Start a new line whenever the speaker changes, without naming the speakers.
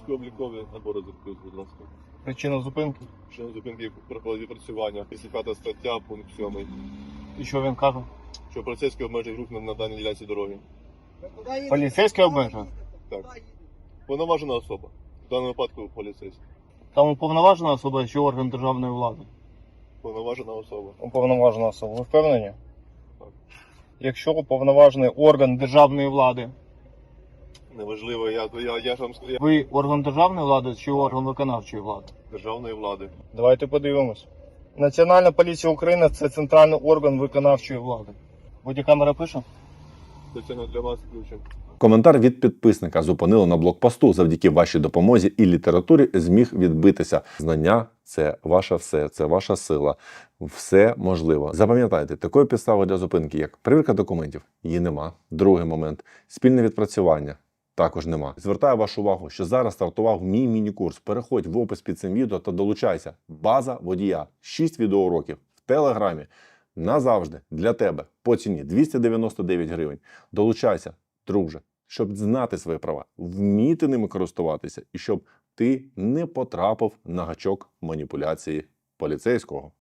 Військово-облікові набори закрив, будь ласка.
Причина зупинки.
Причина зупинки проходить відпрацювання. 55 стаття, пункт 7.
І що він каже?
Що поліцейський обмежує рух на даній ділянці дороги.
Поліцейський обмежує?
Так. Повноважена особа. В даному випадку поліцейський.
Там уповноважена особа чи орган державної влади?
Повноважена особа.
Уповноважена особа. Ви впевнені?
Так.
Якщо уповноважений орган державної влади,
Неважливо, я ж вам сказав,
ви орган державної влади чи орган виконавчої влади?
державної влади.
Давайте подивимось. Національна поліція України – це центральний орган виконавчої влади. Бодікамера пише?
Спеціально для вас включимо.
Коментар від підписника зупинили на блокпосту. Завдяки вашій допомозі і літературі зміг відбитися. Знання – це ваше все, це ваша сила. Все можливо. Запам'ятайте, такої підстави для зупинки, як перевірка документів, її нема. Другий момент – спільне відпрацювання. Також нема. Звертаю вашу увагу, що зараз стартував мій міні-курс. Переходь в опис під цим відео та долучайся. База водія. 6 відеоуроків в Телеграмі. Назавжди для тебе по ціні 299 гривень. Долучайся, друже, щоб знати свої права, вміти ними користуватися і щоб ти не потрапив на гачок маніпуляції поліцейського.